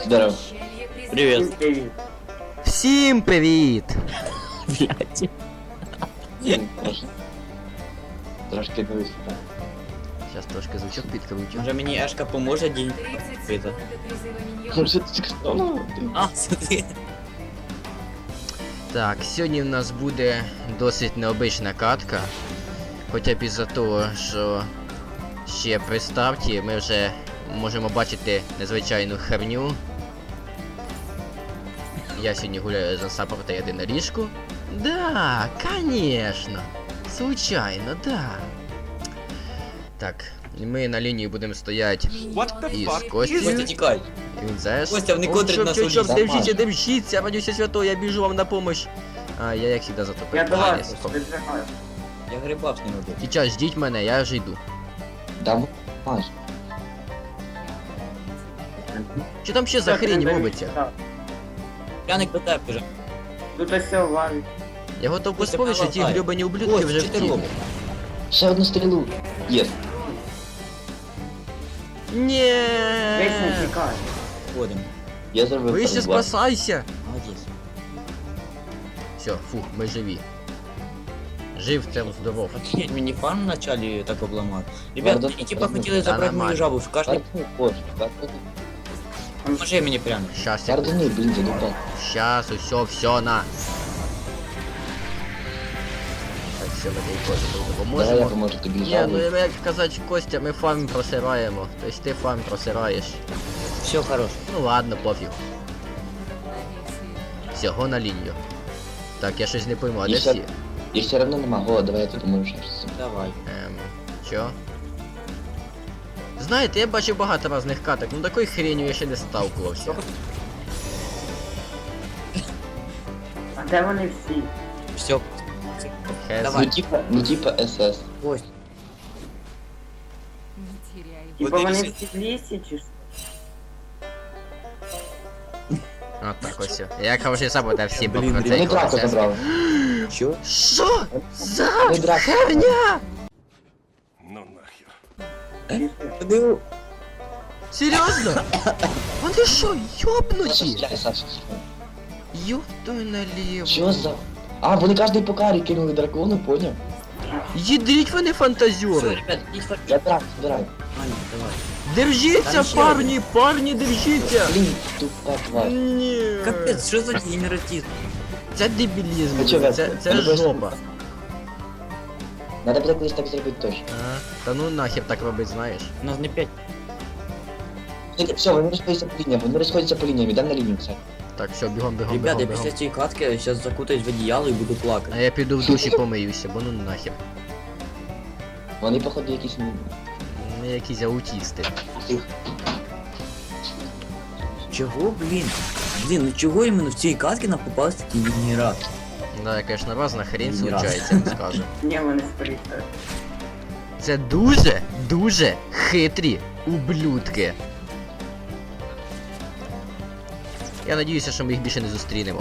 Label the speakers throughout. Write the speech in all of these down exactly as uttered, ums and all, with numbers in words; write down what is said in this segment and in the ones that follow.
Speaker 1: Здорово.
Speaker 2: Привет.
Speaker 3: Привіт.
Speaker 4: Всім привіт!
Speaker 2: Блядь.
Speaker 1: Трошки не виступав.
Speaker 4: Зараз трошки звучок підкручу.
Speaker 2: Може мені Ешка поможе день пити?
Speaker 1: Ну що ти ну, ти-
Speaker 2: А, це ти.
Speaker 4: Так, сьогодні в нас буде досить необична катка. Хоча б із-за того, що ще при старті ми вже можемо бачити незвичайну херню. Я сьогодні гуляю за саппорта єдине ліжку. Да, конечно. Случайно, да. Так, ми на лінії будемо стояти із
Speaker 2: Костя,
Speaker 4: Костю.
Speaker 2: тікай.
Speaker 4: Він знаєш.
Speaker 2: Костя, вони котрять нас
Speaker 4: Чоп, чоп,
Speaker 2: уліз.
Speaker 4: держіться, держіться, радуйся свято, я біжу вам на помощь. А, я як завжди затопив.
Speaker 3: Я до
Speaker 4: А,
Speaker 3: вас
Speaker 4: ні, стоп.
Speaker 3: підбігаю.
Speaker 2: Я грибав з ним один.
Speaker 4: Сейчас ждіть мене, я вже йду.
Speaker 1: Давай.
Speaker 4: Що там ще за
Speaker 3: Так,
Speaker 4: хрінь
Speaker 3: не
Speaker 4: робиться?
Speaker 3: так.
Speaker 2: Пряник до тебе вже.
Speaker 3: Тут ось все валить.
Speaker 4: Я готов
Speaker 2: Костя,
Speaker 4: поспорити, що ті
Speaker 2: помагай.
Speaker 4: гребані ублюдки
Speaker 2: Ось,
Speaker 4: вже
Speaker 2: що ти
Speaker 4: втіли.
Speaker 2: робиш?
Speaker 1: Ще одну стрілу. Є.
Speaker 4: Ні.
Speaker 3: Весь не тікає.
Speaker 2: Ходимо.
Speaker 1: Я зробив
Speaker 4: Вище
Speaker 1: перезвар.
Speaker 4: спасайся.
Speaker 2: Молодець.
Speaker 4: Все, фух, ми живі. Жив, це здоров.
Speaker 2: Охренеть, мені фарм вначалі так обламати. Ребят,
Speaker 1: Ладно,
Speaker 2: мені типа
Speaker 1: ладно.
Speaker 2: хотіли
Speaker 4: Та
Speaker 2: забрати
Speaker 4: нормально.
Speaker 2: мою жабу. Каждый
Speaker 1: Картини, боже, картини.
Speaker 2: може мені пряник.
Speaker 4: Щас, я...
Speaker 1: Картини, блін, задупав.
Speaker 4: Щас, усьо, все, на. Так, все, ми тобі Костя тут
Speaker 1: Давай я
Speaker 4: допоможемо.
Speaker 1: поможу тобі
Speaker 4: Ні, ну
Speaker 1: жабу.
Speaker 4: як казати, Костя, ми фарм просираємо. Тобто ти фарм просираєш.
Speaker 2: Все хорош.
Speaker 4: Ну ладно, пофіг. Всього на лінію. Так, я щось не пойму, а
Speaker 1: І
Speaker 4: де
Speaker 1: ще-
Speaker 4: всі?
Speaker 1: І все одно нема гола, давай я тобі поможу ще раз.
Speaker 2: Давай.
Speaker 4: Ем, чо? Знаєте, я бачив багато різних каток, ну такої хренью я ще не сталкувався.
Speaker 3: А де вони всі?
Speaker 2: Все.
Speaker 4: Хез.
Speaker 2: Давай.
Speaker 1: Ну типа, ну типа СС.
Speaker 2: Ось.
Speaker 3: Типа
Speaker 2: Вони
Speaker 3: вони
Speaker 2: всі-
Speaker 3: всі в лісі чи що?
Speaker 4: От так ось. Я хороший саппорт, а всі
Speaker 2: Блін,
Speaker 4: по
Speaker 2: блін,
Speaker 1: Ми
Speaker 4: цей
Speaker 1: драку
Speaker 4: процес.
Speaker 1: забрали.
Speaker 2: Що?
Speaker 4: Що? За
Speaker 1: Ми драку.
Speaker 4: херня?
Speaker 5: Ну нахер.
Speaker 2: Подиву.
Speaker 4: Серйозно? Вони що,
Speaker 1: Саша,
Speaker 4: йобнуті?
Speaker 1: стріляй, Саша.
Speaker 4: Ёбтуй наліво.
Speaker 1: Що за... А, вони кожний по карі кинули дракону, поняв?
Speaker 4: Їдріть вони
Speaker 2: Все,
Speaker 4: фантазіори.
Speaker 2: ребят, ідіть фарм.
Speaker 1: Я драк, збираю.
Speaker 2: Аня, давай.
Speaker 4: Держіться,
Speaker 2: Там ще
Speaker 4: парні, парні, держіться.
Speaker 1: Блін, тупа тварь.
Speaker 4: Ні.
Speaker 2: Капець, що за генератизм?
Speaker 4: Це дебілізм,
Speaker 1: Ну, чого,
Speaker 4: це, це
Speaker 1: ну, просто-
Speaker 4: жопа.
Speaker 1: Надо буде колись так зробити точно.
Speaker 4: А, та ну нахер так робить, знаєш.
Speaker 2: У нас не п'ять.
Speaker 1: Все, вони розходяться по лініям, вони розходяться по лініям, йдемо на лінію, все.
Speaker 4: Так, все, бігом, бігом,
Speaker 2: Ребят, я
Speaker 4: бігом,
Speaker 2: після
Speaker 4: бігом.
Speaker 2: цієї катки зараз закутаюсь в одіяло і буду
Speaker 4: А
Speaker 2: плакати.
Speaker 4: я піду в душі помиюся, бо ну нахер.
Speaker 1: Вони, походу, якісь... ну,
Speaker 4: Ми якісь аутісти.
Speaker 1: тих.
Speaker 2: Чого, блін? Блін, ну чого іменно в цій катці нам попався такий генератор?
Speaker 4: Да, конечно, разна хрень
Speaker 2: Ні разу.
Speaker 4: случається, я вам скажу.
Speaker 3: Ні, вони споріться.
Speaker 4: Це дуже, дуже хитрі ублюдки. Я надіюся, що ми їх більше не зустрінемо.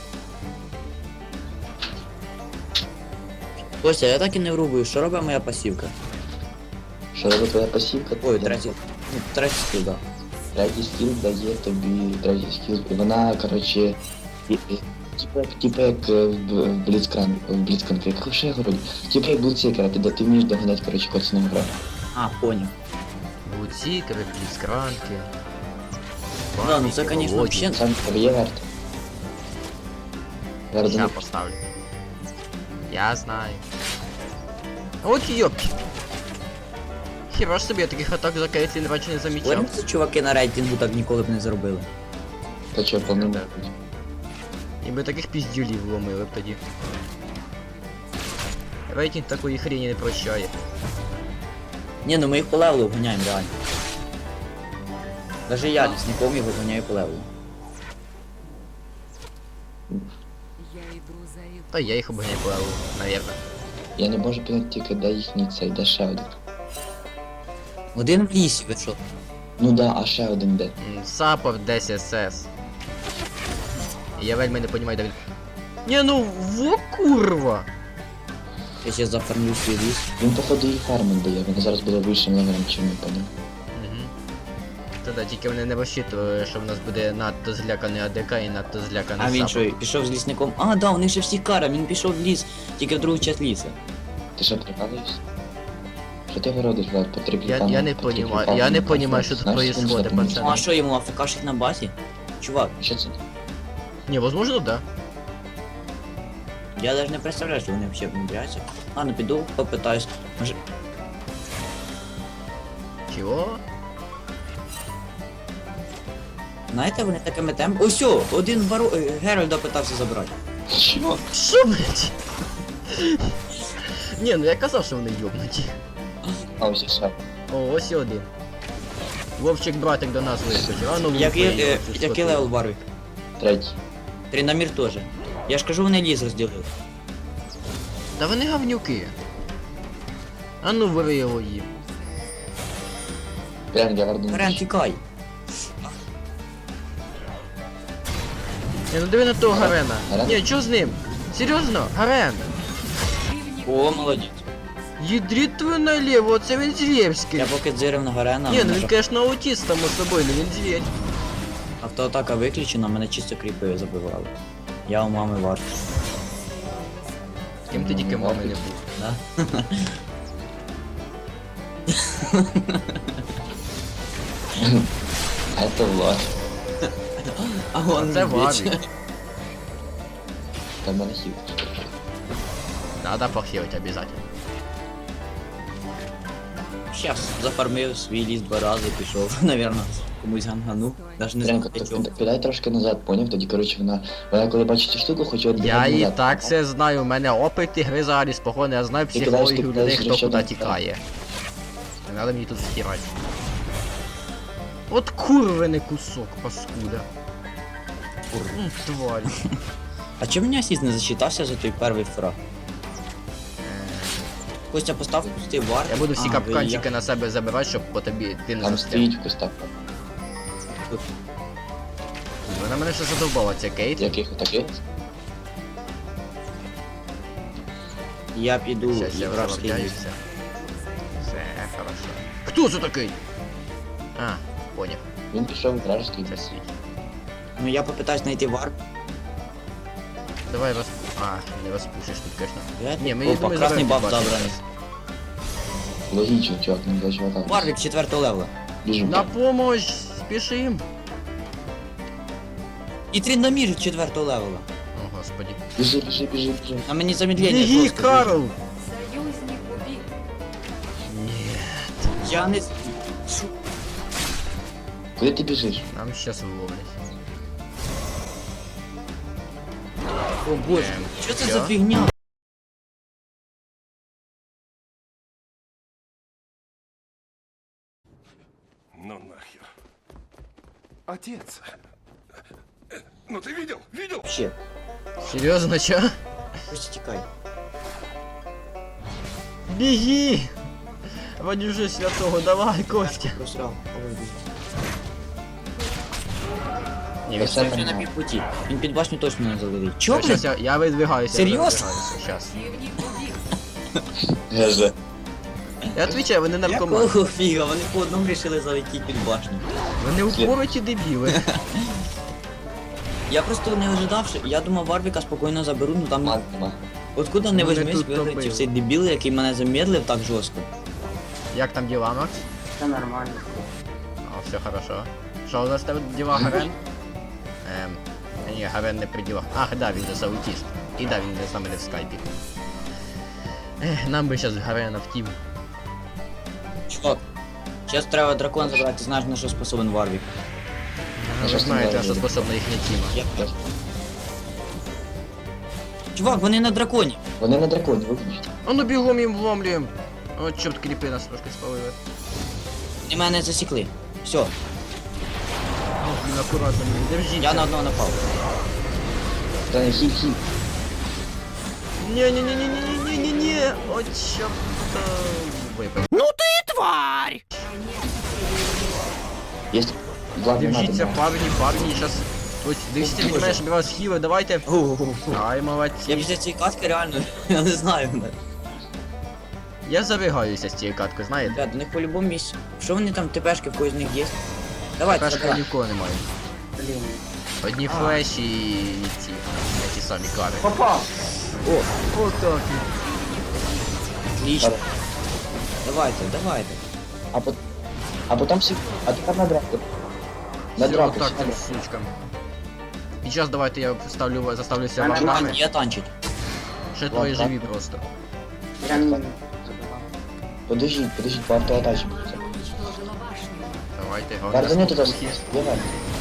Speaker 2: Костя, я так і не врубую, що робить моя пасівка?
Speaker 1: Що робить твоя пасівка?
Speaker 2: Ой, третій, ну, третій скіл, да.
Speaker 1: Третій скіл дає тобі третій скіл. І вона, коротше, і- і- типа, типа як е, в в Бліцкранк, в Бліцкранк, як що я говорю? Типа як Бліцкранк, ти, де ти вмієш доганяти, коротше, коцану грати.
Speaker 2: А, понял.
Speaker 4: Буцікери, пліскранки.
Speaker 2: Да, ну це, конечно, вообще...
Speaker 1: Сам є варт. Зараз
Speaker 4: Я поставлю. Я знаю. От йопки. Хіба ж собі я таких атак за Кейтлін раніше не замічав.
Speaker 2: Говоримо, це чуваки на рейтингу так ніколи б не зробили.
Speaker 1: Та чого, по-моєму.
Speaker 4: І ми таких піздюлів вломили б тоді. Рейтинг такої хрені не прощає.
Speaker 2: Ні, ну ми їх по левелу вганяємо, реально. Даже я лісником його вганяю по левелу.
Speaker 4: Та я їх обганяю по леву, навірно.
Speaker 1: Я не можу поняти тільки, де їхній цей, де ще один.
Speaker 2: Один в лісі, ви що?
Speaker 1: Ну да, а ще один де.
Speaker 4: М, Саппорт десять ес ес. І я вельми не розумію, де він. Ні, ну во курва!
Speaker 2: Я ще зафармлю свій ліс.
Speaker 1: Він, походу, і фарминг дає, він зараз буде вищим левелем, чим не поняв.
Speaker 4: Угу. Та да, тільки вони не розчитували, що в нас буде надто зляканий АДК і надто зляканий
Speaker 2: А він
Speaker 4: Сапа.
Speaker 2: що, пішов з лісником? А, да, у них ще всі кара, він пішов в ліс, тільки в другу часть ліса.
Speaker 1: Ти що, прикалуєшся? Що ти городиш, Влад, по три
Speaker 4: Я,
Speaker 1: кліпами,
Speaker 4: я не
Speaker 1: по три
Speaker 4: понімаю,
Speaker 1: кліпами,
Speaker 4: я не
Speaker 1: ну,
Speaker 4: понімаю, що тут
Speaker 1: знаєш,
Speaker 4: происходит,
Speaker 1: що там
Speaker 2: Ну а
Speaker 4: пацани.
Speaker 2: що йому АФКшить на базі? Чувак,
Speaker 1: Що це?
Speaker 4: Ні, возможно, да.
Speaker 2: я навіть не представляю, що вони взагалі внедряються. Ладно, піду, попитаюсь. Може,
Speaker 4: Чого?
Speaker 2: знаєте, вони такими темпами... Ось, о, один бару... е, Геральда питався забрати.
Speaker 1: Що?
Speaker 4: Що, блять? Ні, ну я казав, що вони йобнуті.
Speaker 1: А, ось і все.
Speaker 4: О, ось і один. Вовчик братик до нас вискочив, а ну
Speaker 2: Який,
Speaker 4: лупи його,
Speaker 2: е,
Speaker 4: цю
Speaker 2: який
Speaker 4: скотину.
Speaker 2: левел Барвік?
Speaker 1: Третій.
Speaker 2: Тринамір теж. Я ж кажу, вони ліс розділили.
Speaker 4: Та вони говнюки. А ну вири його їм.
Speaker 1: Прям я верну.
Speaker 2: Рен, тікай.
Speaker 4: Ні, ну диви на того Гарена.
Speaker 1: Гарен?
Speaker 4: Ні, чого з ним? Серйозно? Гарен?
Speaker 2: О, молодець.
Speaker 4: Їдріть твою наліво, це він звєрський.
Speaker 2: Я поки дзирив на Гарена,
Speaker 4: Ні, ну
Speaker 2: мене
Speaker 4: він,
Speaker 2: жах-
Speaker 4: конечно, аутіст, само собою, ну він звір.
Speaker 2: автоатака виключена, мене чисто кріпою забивали. Я у мами варт.
Speaker 4: З ким ти тільки мами не був.
Speaker 2: Да?
Speaker 1: А це Влад.
Speaker 2: А он
Speaker 4: Це
Speaker 2: бич.
Speaker 4: Варвік.
Speaker 1: Там мене хіл.
Speaker 4: Надо похилить обязательно.
Speaker 2: Щас зафармив свій ліс два рази, пішов, навірно, комусь гангану. Даже не знаю,
Speaker 1: Прям
Speaker 2: для чого.
Speaker 1: підай трошки назад, поняв? Тоді, коротше, вона, вона коли бачить цю штуку, хоче
Speaker 4: Я
Speaker 1: відбігати
Speaker 4: і
Speaker 1: назад.
Speaker 4: так все знаю, у мене опит ігри взагалі спокійно, я знаю
Speaker 1: Ти кидаєш, ти
Speaker 4: психологію
Speaker 1: кидаєш
Speaker 4: людей, хто
Speaker 1: ще
Speaker 4: куди
Speaker 1: один,
Speaker 4: тікає. Не надо мені тут стирати. От курвений кусок, паскуда. М, Тварь.
Speaker 2: А чому мені асіст не зачитався за той перший фраг? Костя, постав пустий варт.
Speaker 4: Я буду всі
Speaker 2: А,
Speaker 4: капканчики
Speaker 2: ви-
Speaker 4: на себе забирати, щоб по тобі ти не
Speaker 1: Там
Speaker 4: застряг.
Speaker 1: стоїть в кустах.
Speaker 4: Вона мене ще задовбала, ця Кейт.
Speaker 1: Яких таких?
Speaker 2: Я піду
Speaker 4: Щас я
Speaker 2: вражський ліс.
Speaker 4: виправляюся. Все, хорошо. Хто це такий? А, поняв.
Speaker 1: Він пішов в вражеський
Speaker 4: Це
Speaker 1: ліс.
Speaker 4: свій.
Speaker 2: Ну я попитаюсь знайти варп.
Speaker 4: Давай роз... А, не розпушиш тут, конечно. Ні, ми
Speaker 2: Опа,
Speaker 4: ми
Speaker 2: красний
Speaker 4: заберемо
Speaker 2: баф
Speaker 4: башню
Speaker 2: забраний.
Speaker 4: зараз.
Speaker 1: Логічно, чувак, не для чувака.
Speaker 2: Варвік четвертого левела.
Speaker 1: Біжу.
Speaker 4: На помощь! Спішим!
Speaker 2: І тринамір четвертого левела.
Speaker 4: О, господи.
Speaker 1: Біжи, біжи, біжи, біжи.
Speaker 2: На мені замедлення
Speaker 4: Біги,
Speaker 2: просто.
Speaker 4: Карл!
Speaker 6: Союзник убит.
Speaker 4: Ні,
Speaker 2: Я не... Шо?
Speaker 1: Куди ти біжиш?
Speaker 4: нам щас виловлять.
Speaker 2: О боже,
Speaker 4: Ем,
Speaker 2: що це
Speaker 4: що?
Speaker 2: за фігня?
Speaker 5: Ну нахер. Отец. Ну ты видел? Видел?
Speaker 2: Ще,
Speaker 4: Серйозно, чо?
Speaker 2: Костя, тікай.
Speaker 4: Біги! Ради вже святого, давай, Костя!
Speaker 2: Просрав. Ой,
Speaker 4: Ні,
Speaker 1: Та
Speaker 4: він
Speaker 1: все
Speaker 2: Він вже на
Speaker 1: нормально.
Speaker 2: півпуті. Він під башню точно не залетить. Чо,
Speaker 4: Щас
Speaker 2: блядь?
Speaker 4: я, я видвигаюся.
Speaker 2: Серйозно?
Speaker 4: Щас.
Speaker 6: Противник убит.
Speaker 1: Геже.
Speaker 4: Я відповідаю, вони наркомани.
Speaker 2: Якого фіга? Вони по одному рішили залетіти під башню.
Speaker 4: Вони упороті дебіли.
Speaker 2: Я просто не ожидав, що... Я думав, Варвіка спокійно заберу, ну там...
Speaker 1: Ман нема.
Speaker 2: Откуда не
Speaker 4: Вони
Speaker 2: візьмись,
Speaker 4: тут
Speaker 2: вилетів
Speaker 4: топили.
Speaker 2: цей дебіл, який мене замедлив так жорстко.
Speaker 4: Як там діла, Макс?
Speaker 3: Все нормально.
Speaker 4: О, все хорошо. Що у нас там діла, Гарен? Ем, ні, Гарен не при ділах. Ах, да, він же аутіст. І да, він з нами не в скайпі. Ех, нам би зараз Гарена в тім.
Speaker 2: Чувак, зараз треба дракон забрати, ти знаєш на що способен Варвік.
Speaker 4: Ви
Speaker 1: щас
Speaker 4: знаєте,
Speaker 1: не
Speaker 4: на що
Speaker 1: знаю.
Speaker 4: способна їхня тіма.
Speaker 2: Я... Чувак, вони на драконі.
Speaker 1: Вони на драконі, виключно.
Speaker 4: А ну бігом їм вломлюємо. О, чорт, кріпи нас трошки спалили.
Speaker 2: Вони мене засікли. Все,
Speaker 4: О, блін, акуратно, блін, держіть.
Speaker 2: я на одного напав.
Speaker 1: Та не хіль, хіль.
Speaker 4: Не-не-не-не-не-не-не-не. О, чорт. Випав.
Speaker 1: Є. Влад, не надо,
Speaker 4: Держіться,
Speaker 1: не.
Speaker 4: парні, парні, щас... Ось, дивіться, від мене, щоб я вас хіли, давайте. Ай,
Speaker 2: Я
Speaker 4: молодці.
Speaker 2: після цієї катки реально, я не знаю.
Speaker 4: Я забігаюся з цією каткою, знаєте?
Speaker 2: Ребят, у них по-любому місці. Що вони там, ТПшки в когось з них є? Давайте,
Speaker 4: Кашка
Speaker 2: забирай.
Speaker 4: нікого немає.
Speaker 3: Блін.
Speaker 4: Одні флеші і ці, ті самі кари.
Speaker 3: Попав!
Speaker 2: О,
Speaker 4: Отак.
Speaker 2: отлично. Давайте, давайте.
Speaker 1: А потом... А потом все... А тепер на драку. На
Speaker 4: Все,
Speaker 1: драку,
Speaker 4: отак
Speaker 1: все на
Speaker 4: цим
Speaker 1: драку.
Speaker 4: сучкам. Під час давайте я ставлю, заставлюся
Speaker 3: Мене
Speaker 4: вардами.
Speaker 3: немає.
Speaker 2: Я танчить.
Speaker 4: Ще твої
Speaker 1: Ладно.
Speaker 4: живі просто.
Speaker 3: Я не забивав.
Speaker 1: Подождіть, подождіть, по автоатачі.
Speaker 4: Давайте,
Speaker 1: Вардани туди.
Speaker 4: слухи.
Speaker 1: Давай.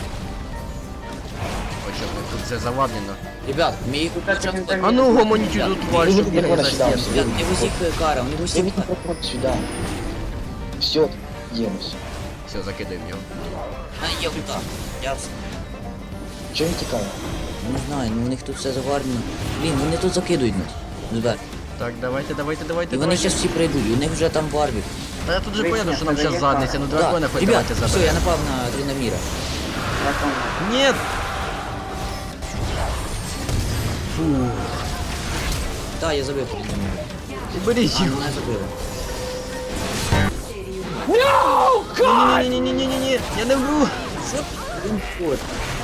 Speaker 4: Ось що тут все заваблено.
Speaker 2: Ребят, мій
Speaker 3: Тут так він там-
Speaker 4: А ну гомоніті тут тварь, щоб
Speaker 1: Ребята,
Speaker 4: бігає за
Speaker 1: сюди,
Speaker 4: стіну.
Speaker 1: сюди.
Speaker 2: Ребят, не в усіх кара, не в
Speaker 1: Я
Speaker 2: усіх
Speaker 1: не
Speaker 2: кара.
Speaker 1: проходь сюди. Все, їмось.
Speaker 4: Все, закидаємо його.
Speaker 2: А, є ульта. Я все.
Speaker 1: Чого він тікає?
Speaker 2: Не знаю, ну у них тут все заварено. Блін, вони тут закидують нас. Збер.
Speaker 4: Так, давайте, давайте, давайте.
Speaker 2: І вони
Speaker 4: давайте.
Speaker 2: зараз всі прийдуть, і у них вже там варвік.
Speaker 4: Та я тут же
Speaker 3: Вийшли,
Speaker 4: понял, що нам
Speaker 3: подає
Speaker 4: зараз задниця, ну дракона
Speaker 2: Да.
Speaker 4: хоч
Speaker 2: Ребят,
Speaker 4: давайте
Speaker 2: все, я
Speaker 4: заберемо.
Speaker 2: напав на Тринаміра.
Speaker 3: Дракон.
Speaker 4: Нет! Фу,
Speaker 2: Так, я забив Тринаміра.
Speaker 4: уберіть
Speaker 2: А,
Speaker 4: його.
Speaker 2: мене забили.
Speaker 4: Ні-ні-ні-ні-ні-ні, я не вмру.
Speaker 2: Що? Він ход.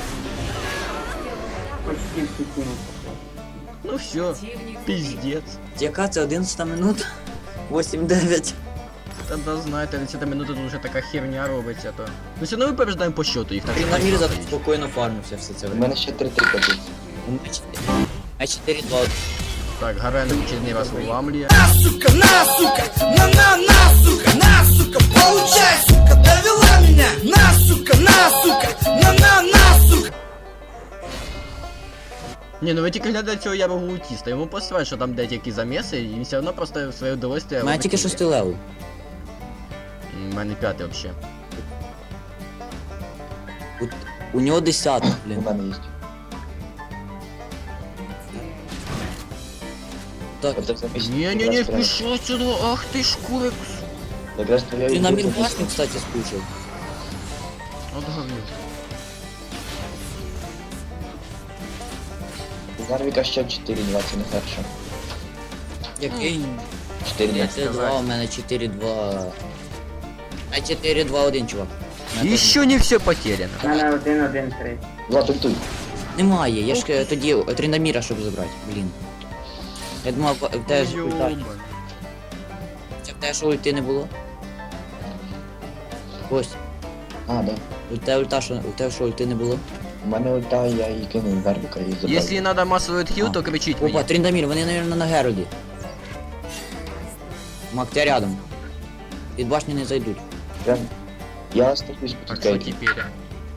Speaker 3: Почти всі кіно.
Speaker 4: Ну все, пиздец.
Speaker 2: Яка це одинадцята минута? вісім дев'ять.
Speaker 4: Та да знаєте, тридцята минута тут вже така херня робиться, то. Ну все одно ми побіждаємо по счету їх, так що
Speaker 2: Тринамір
Speaker 4: так,
Speaker 2: зато
Speaker 4: так.
Speaker 2: спокійно фармився все це
Speaker 1: У
Speaker 2: время.
Speaker 1: мене ще три-три копійки.
Speaker 2: А чотири два.
Speaker 4: Так, Гарен очередний раз виламлює.
Speaker 7: сука, на, сука, на, на, на, сука, на, сука, получай, сука, довела меня, на, сука, на, сука, на, на, на, сука.
Speaker 4: Ні, ну ви тільки глядайте цього ярого аутіста, йому посилають, що там деякі заміси, і він все одно просто в своє удовольствие
Speaker 2: У мене тільки
Speaker 4: робить.
Speaker 2: шостий левел.
Speaker 4: У мене п'ятий вообще.
Speaker 2: У нього десятий,
Speaker 1: У
Speaker 2: блін.
Speaker 1: мене є.
Speaker 2: Так,
Speaker 1: От це місць-
Speaker 4: Ні-ні-ні,
Speaker 1: якраз прямо.
Speaker 4: пішов сюди, ах ти ж курик.
Speaker 1: Якраз твоя
Speaker 2: Тринамір
Speaker 1: ідея.
Speaker 2: башню, кстати, скучив.
Speaker 4: От говнюк.
Speaker 1: Зарвіка ще чотири-два, це не хорошо.
Speaker 2: Який?
Speaker 1: чотири-два.
Speaker 2: п'ять два, у мене чотири два. А чотири два один, чувак. У мене теж
Speaker 4: Еще не все потеряно.
Speaker 3: У мене один-один-три.
Speaker 1: Влад, ультуй.
Speaker 2: Немає, я ж е, тоді е, Тринаміра, щоб забрати, блін. Я думав, в в тебе ж ульта.
Speaker 4: Йобан.
Speaker 2: Це в тебе що ульти не було? Ось,
Speaker 1: А, да.
Speaker 2: у тебе ульта, що у тебе що ульти не було?
Speaker 1: У мене ульта, я її кинув Зарвіка і забрав.
Speaker 4: Если надо массовый отхил,
Speaker 2: А.
Speaker 4: то кричить
Speaker 2: Опа,
Speaker 4: мне.
Speaker 2: Тринамір, вони, мабуть, на Геральді. Мак, ти рядом. Від башні не зайдуть.
Speaker 1: Прям... Я остаюсь
Speaker 4: Так
Speaker 1: під
Speaker 4: що
Speaker 1: кейтом.
Speaker 4: теперь?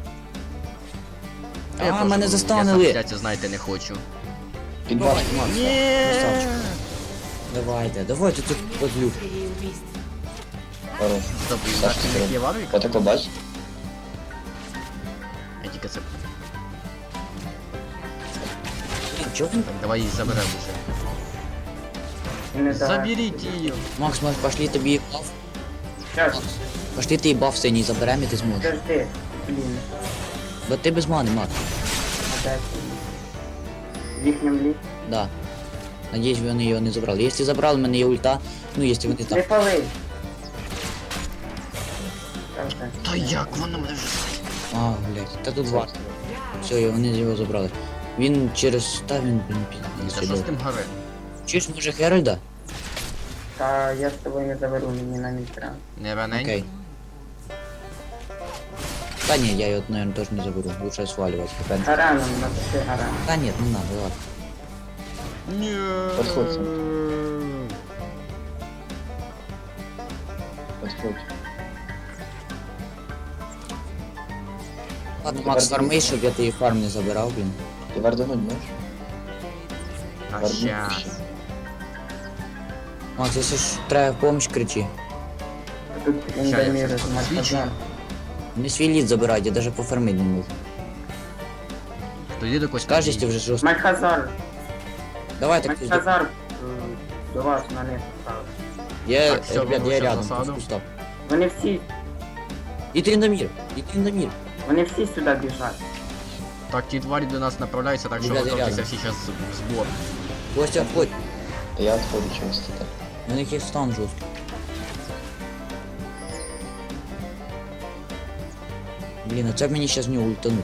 Speaker 2: А, мене застанули.
Speaker 4: Я сам знаєте, не хочу.
Speaker 1: Під
Speaker 2: Давай,
Speaker 1: башню.
Speaker 2: Макс, красавчик. Давайте, давайте тут подлюк.
Speaker 1: Хорош.
Speaker 4: Стоп, і
Speaker 1: Сашка,
Speaker 4: наш не є варвик?
Speaker 1: Отако бач?
Speaker 4: Я тільки це...
Speaker 2: Блін, чого він?
Speaker 4: Так, давай її заберемо вже.
Speaker 3: І не давай.
Speaker 4: Заберіть її.
Speaker 2: Макс, Макс, пошли тобі баф.
Speaker 3: Щас,
Speaker 2: Пошли ти баф синій заберемо і ти зможеш.
Speaker 3: подожди. Блін,
Speaker 2: Бо ти без мани, Макс.
Speaker 3: опять. В їхнім лі.
Speaker 2: Да. Надіюсь, вони його не забрали. Якщо забрали, в мене є ульта. Ну, якщо вони
Speaker 3: Не
Speaker 2: там.
Speaker 3: пали. Та вже.
Speaker 4: Та як воно мене вже...
Speaker 2: А, блядь, та тут варто. Все, вони його забрали. Він через... Та він, блін,
Speaker 4: За що з
Speaker 2: підійшов.
Speaker 4: тим Гарен?
Speaker 2: Чуєш, може Геральда?
Speaker 3: Та я з тобою не заберу, мені на місця.
Speaker 4: Не ранень?
Speaker 2: Окей. Та ні, я його, наверное, теж не заберу. Лучше сваливать.
Speaker 3: Гараном, напиши гараном.
Speaker 2: Та ні, не надо, ладно.
Speaker 4: Ні.
Speaker 1: Подходь. Подходь.
Speaker 2: Ладно, Макс, фарми, щоб я твій фарм не забирав, блін.
Speaker 1: Ти вардануть можеш?
Speaker 4: А
Speaker 1: Вардануть
Speaker 4: щас.
Speaker 1: ще.
Speaker 2: Макс, якщо ж треба помощь, кричи.
Speaker 3: Тут
Speaker 4: я
Speaker 3: індоміри
Speaker 4: щас
Speaker 3: з
Speaker 4: посвічу.
Speaker 3: Максазон.
Speaker 2: Не свій лід забирай, я даже пофармити не можу.
Speaker 4: Тоді до когось
Speaker 2: Скажеш, ти вже жорстко.
Speaker 3: Мальхазар.
Speaker 2: Давай так ти
Speaker 3: Мальхазар м, до вас на них став.
Speaker 2: Я,
Speaker 4: Так, всё,
Speaker 2: ребят, я
Speaker 4: вибачте
Speaker 2: рядом,
Speaker 4: засаду.
Speaker 2: тут кустав.
Speaker 3: Вони всі,
Speaker 2: І Тринамір, і Тринамір.
Speaker 3: вони всі сюди біжать.
Speaker 4: Так, ті тварі до нас направляються, так що
Speaker 2: Ребята,
Speaker 4: готуйтеся
Speaker 2: рядом.
Speaker 4: всі зараз в збор.
Speaker 2: Костя, входь.
Speaker 1: Та я відходжу чогось це так.
Speaker 2: У них є стан жорсткий. Блін, а це б мені щас в нього ультануть.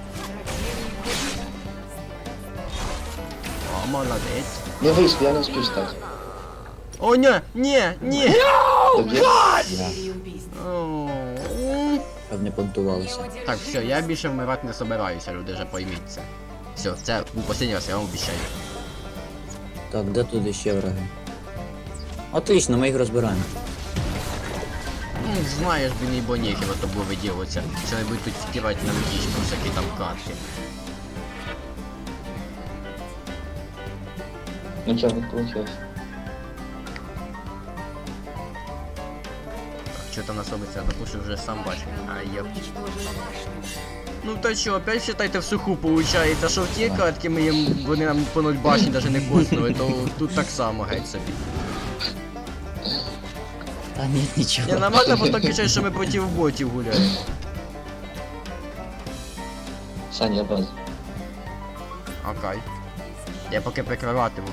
Speaker 4: О, молодець.
Speaker 1: Не вийшло, я не успів стати.
Speaker 4: О, ні, ні, ні.
Speaker 1: Тобі? Я.
Speaker 4: О,
Speaker 2: Щоб не понтувалося.
Speaker 4: Так, все, я більше вмирати не собираюся, люди вже пойміть це. Все, це був останній раз, я вам обіцяю.
Speaker 2: Так, де тут ще враги? Отлично, ми їх розбираємо.
Speaker 4: Ну, знаєш, блін, і боніхи от тобою виділиться. Що не будуть тут втирати нам діч про всякі там катки.
Speaker 1: Нічого не вийшло.
Speaker 4: Що там нас робиться, я допущу вже сам бачу. А я... Ну та що, опять считайте в суху получається, що в ті катки ми їм, вони нам по ноль башні навіть не коснули, то тут так само геть собі.
Speaker 2: Та ні, нічого.
Speaker 4: Я нормально потім кричать, що ми проти ботів гуляємо.
Speaker 1: Саня, я базу.
Speaker 4: Окей. Я поки прикриватиму.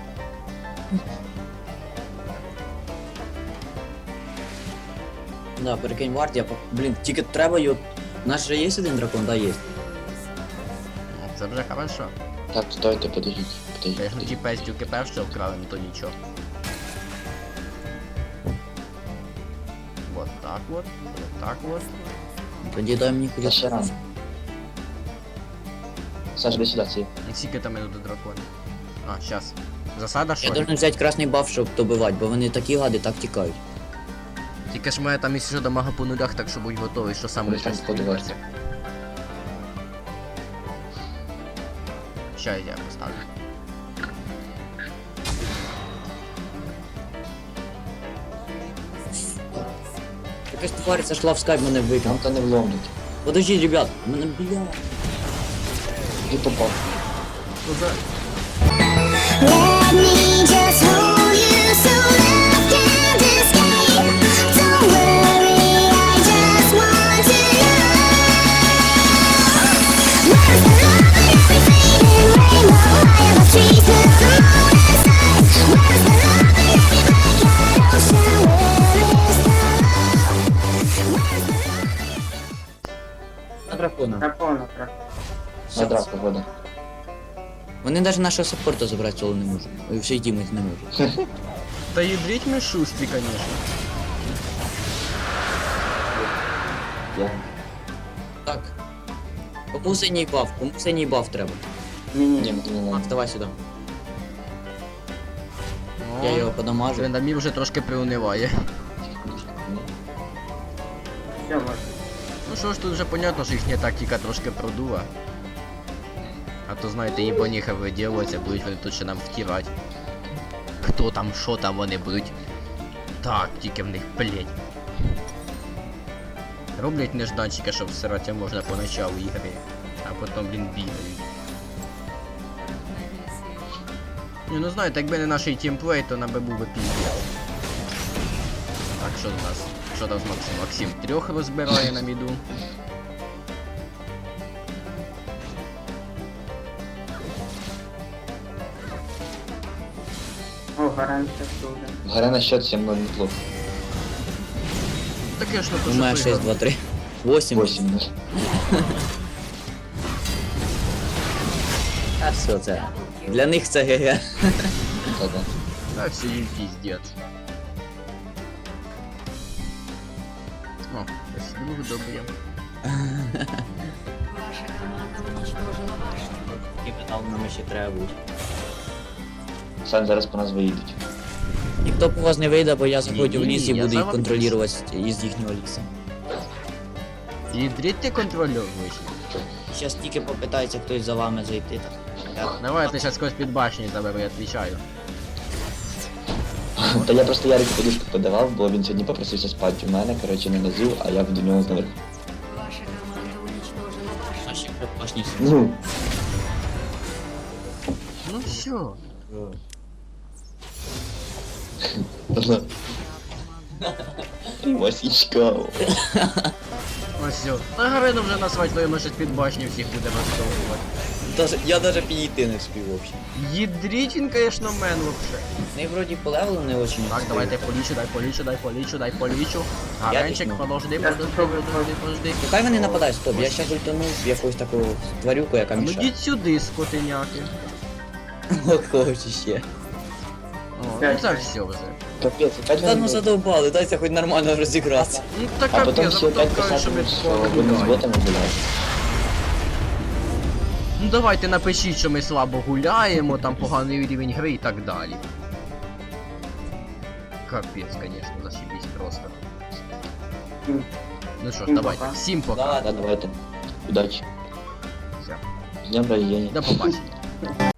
Speaker 2: Да, прикинь, варт, я по... Блін, тільки треба його... У нас же є один дракон, да, є.
Speaker 4: Ну, це вже хорошо.
Speaker 1: Так, стойте, подождіть. Подождіть,
Speaker 4: Конечно, ті
Speaker 1: подождіть.
Speaker 4: пестюки перші вкрали, ну то нічого. Вот так вот, вот так вот.
Speaker 2: Тоді дай мені
Speaker 1: Та
Speaker 2: хоч...
Speaker 1: ще рано. Саш, до сюди, ці.
Speaker 4: І скільки там минут до дракона? А, щас. Засада що?
Speaker 2: Я
Speaker 4: ли?
Speaker 2: должен взяти красний баф, щоб добивати, бо вони такі гади, так тікають.
Speaker 4: Тільки ж моя там якщо що дамага по нулях, так що будь готовий, що сам
Speaker 1: Будь
Speaker 4: лише
Speaker 1: там подивитися.
Speaker 4: Ща я поставлю.
Speaker 2: Якась тварь зайшла в скайп, мене
Speaker 1: Нам
Speaker 2: викинув.
Speaker 1: то не вломлять.
Speaker 2: Подождіть, ребят, мене бля.
Speaker 1: І попав.
Speaker 4: Ну за...
Speaker 8: Let me just hold you so love can't escape. Don't worry, I just want to know. Where's the love in every fading rainbow? I have a street to the moon and stars. Where's the love in every backyard ocean? Where is the love? Where's the love?
Speaker 2: На дракона.
Speaker 3: Дракона, дракона.
Speaker 1: На драку вода.
Speaker 2: Вони навіть нашого саппорта забрати соло не можуть. І всі тімити не можуть.
Speaker 4: Та ядріть ми шустрі, конечно.
Speaker 1: Я.
Speaker 2: Так. Кому синій баф? Кому синій баф треба?
Speaker 1: Ні,
Speaker 3: Мені.
Speaker 1: мені не
Speaker 2: Макс,
Speaker 1: надо.
Speaker 2: давай сюди.
Speaker 4: О,
Speaker 2: Я його подамажу.
Speaker 4: Трендамір вже трошки приуниває.
Speaker 3: Все, можна.
Speaker 4: Ну що ж, тут вже понятно, що їхня тактика трошки продула. А то знаєте, і боніха виділуються, будуть вони тут ще нам втирати. Хто там, що там вони будуть. Так, тільки в них плеть. Роблять нежданчика, щоб всирати можна поначалу ігри. А потім, блін, бігають. Ні, ну знаєте, якби не наш тімплей, то нам би був би піздець. Так, що у нас? Що там з Максим? Максим трьох розбирає на міду.
Speaker 3: О, гарантія дуже.
Speaker 1: Гора на счет сім ноль неплохо.
Speaker 4: Таке ж
Speaker 2: У
Speaker 4: ну
Speaker 2: мене
Speaker 4: то
Speaker 2: шість, два, три. восемь.
Speaker 1: вісім нуль.
Speaker 2: А все це. Для них це ГГ.
Speaker 1: Та-да.
Speaker 4: А все їм піздець. О, ось друг добре.
Speaker 6: Ваша команда уничтожила башню.
Speaker 2: І метал нам ще треба бути.
Speaker 1: Сань, зараз по нас виїдуть.
Speaker 2: Ніхто по вас не вийде, бо я заходжу в
Speaker 4: Ні-ні-ні,
Speaker 2: ліс і
Speaker 4: я
Speaker 2: буду
Speaker 4: за
Speaker 2: їх
Speaker 4: вами
Speaker 2: контролювати із їхнього лісу.
Speaker 4: І дріть ти контрольор вийшли.
Speaker 2: Зараз тільки попитається хтось за вами зайти. Так. Я-
Speaker 4: Давай, ти зараз когось під башню заберу, я відвічаю.
Speaker 1: Та я просто Ярику подушку подавав, бо він сьогодні попросився спати у мене, коротше, не назив, а я до нього наверху.
Speaker 6: Ваша команда уничтожила башню.
Speaker 2: Наші припашні.
Speaker 1: Ну,
Speaker 4: Ну все.
Speaker 1: Масічка.
Speaker 4: Ось все. Та Гарину вже насвать, то йому щось під башню всіх буде розтовувати.
Speaker 2: Даже, я даже підійти не вспів вообще.
Speaker 4: Їдріть він, конечно, мен вообще.
Speaker 2: Ну і вроді по левелу не очень.
Speaker 4: Так, давай дай полічу, дай полічу, дай полічу, дай полічу.
Speaker 2: Я
Speaker 4: Гаренчик,
Speaker 2: візьму.
Speaker 4: подожди,
Speaker 3: Я
Speaker 4: подожди,
Speaker 3: спробую.
Speaker 4: подожди, подожди.
Speaker 2: Ну хай вони нападають, стоп, я щас ультанув в якусь таку тварюку, яка
Speaker 4: А ну
Speaker 2: мішає.
Speaker 4: йдіть сюди, скотиняки.
Speaker 2: О, кого чи ще.
Speaker 4: О, ну це все вже.
Speaker 1: Капець, опять
Speaker 2: Та ну
Speaker 1: вони...
Speaker 2: задовбали, дайте хоч нормально розігратися.
Speaker 4: Ну так
Speaker 1: А потім
Speaker 4: капець,
Speaker 1: всі
Speaker 4: а потім
Speaker 1: опять
Speaker 4: кажуть, що ми
Speaker 1: писати, що
Speaker 4: погано
Speaker 1: вони з
Speaker 4: гуляємо.
Speaker 1: ботами гуляють.
Speaker 4: Ну давайте напишіть, що ми слабо гуляємо, там поганий рівень гри і так далі. Капець, конечно, зашибись просто.
Speaker 3: Всім-
Speaker 4: Ну що ж,
Speaker 3: всім
Speaker 4: давайте,
Speaker 3: пока.
Speaker 4: всім пока.
Speaker 2: Да,
Speaker 1: Да, давайте. Удачі.
Speaker 4: Все.
Speaker 1: З днем рождения.
Speaker 4: До побачення.